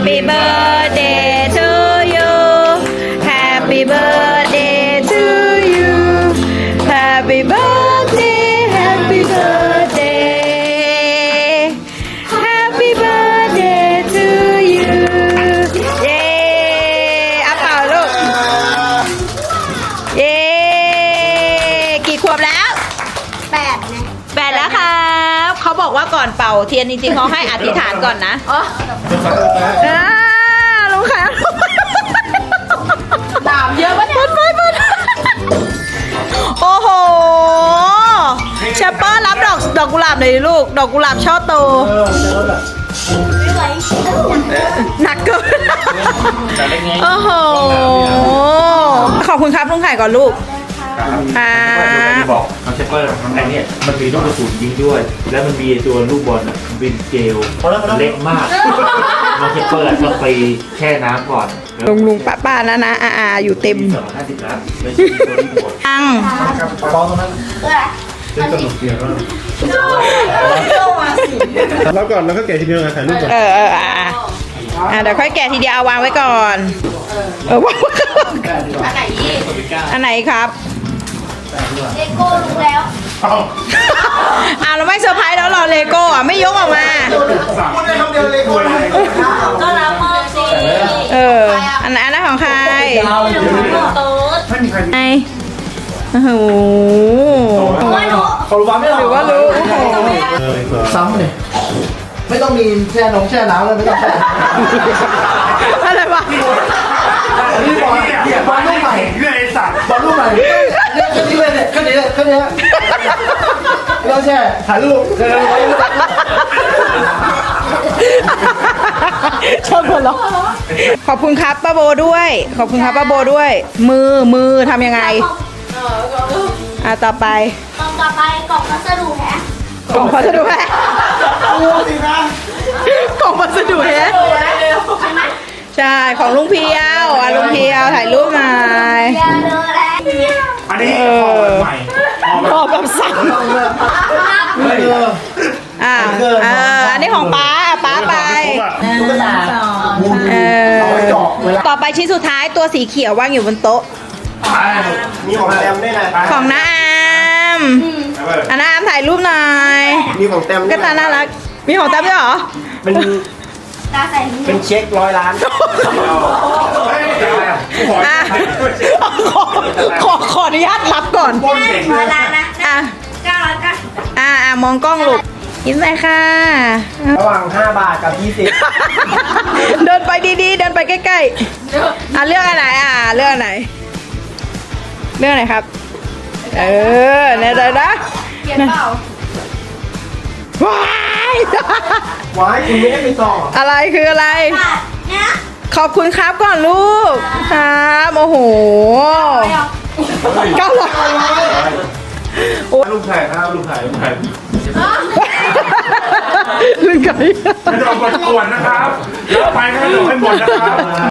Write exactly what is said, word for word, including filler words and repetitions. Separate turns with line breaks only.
Happy birthday to you Happy birthday to you Happy birthday Happy birthday Happy birthday to you เย้อ่ะเป่าลูกเย้กี่ขวบแล้วแปดไงแปดแล้วครับเขาบอกว่าก่อนเป่าเทียนจริงๆเขาให้อธิษฐานก่อนนะอ๋ออ่าลุงค่ะดามเยอะปะเนี่ยเปิดเปิดโอ้โหเชปเปอร์รับดอกดอกกุหลาบหน่อยดิลูกดอกกุหลาบช่อโตหนักเกินโอ้โหขอบคุณครับลุงไข่ก่อนลูกครับ
บอกน้องเชปเปอร์ไอ้เนี่ยมันมีลูกกระสุนยิงด้วย แล้วมันมีตัวลูกบอลบินเจลเล็กมากน้องเชปเปอร์ต้องไปแช่น้ำก่อน
ลุงลุงป้าป้านะนะอาอาอยู่เต็ม
สองห้าสิบล้านไม่ใช่ตัวนี้หมด
อัง
ปองตรงนั้นเป็นสนุกเดียว
แล้วก่อนแล้วก็แกะทีเดียวถ่ายรูปก่อน
เออเอออ่ะอ่ะเดี๋ยวค่อยแกะทีเดียวเอาวางไว้ก่อนเออวางอันไหนอันไหนครับ
เลโก้รู้แล้ว
อ่าเราไม่เซอร์ไพรส์แล้วหรอเลโก้อ่ะไม่ยกออกมา
พูดได้คำเดียวเลโก้
ก็รับมอบสิ
เอออันไหนอันนั้นของใคร
โต๊ด
ไอโอ้โห
เขารู้ว่าไม่
หรือว่ารู้
ซ้ำเลยไม่ต้องมีแช่นงแช่น้ำเลยไม่ต้องแช่
อะไรวะ
นี่บอลบอลลูกใหม่เรื่องไอ้สัตว์บอลลูกใหม่เนี่ยแค่นี้เลยเนี่ยแค่นี้เลยแค่นี้เราแช่ถ่ายรูป
ชอบคนเหรอขอบคุณครับป้าโบด้วยขอบคุณครับป้าโบด้วย มือมือทำยังไงอ่ะต่อไป
กล่องต่อไปกล่องพัสดุแฮะ
กล่องพัสดุแฮะ
ดูสินะ
กล่องพัสดุแฮะใช่ของลุงเพียวอ่ะลุงเพียวถ่ายรูปหน่อย
ยาเดอร์แล้ว
อันนี้ใหม่
ขอแบบสั่งอ่าเอออันนี้ของป้าป้าไปเออต่อไปชิ้นสุดท้ายตัวสีเขียววางอยู่บนโต๊ะ
มีของแต้มด้วยนะ
ของน้าอามอันน้าอามถ่ายรูปหน่อย
มีของแต้ม
ก็ตาน่ารักมีของแต้มด้วยเหรอ
เป็นเป็นเช็คร้อยล้าน
ขอขออนุญาตรับก่อน
ร้อยล้านนะ
อ่ะ
เก้าร้อยเก้า
อ่ะอ่ะมองกล้องลูกยิ้มเลยค่ะ
ระหว่างห้าบาทกับยี่สิบ
เดินไปดีๆเดินไปใกล้ๆอ่ะเลือกอันไหนอ่ะเลือกอันไหนเลือกไหนครับเออเนี่ยเลยนะ
เขียนเปล่า
ว้าย
ว้ายคุณไม่ได้ไปส่อง
อะไรคืออะไรขอบคุณครับก่อนลูกครับโอ้โหเก้าร้อย
ลูกไข่ครับลูกไข่ลูกไข่
ลูกไข่
ไม่ต้องกดกวนนะครับแล้วไปก็ให้หมดนะครับ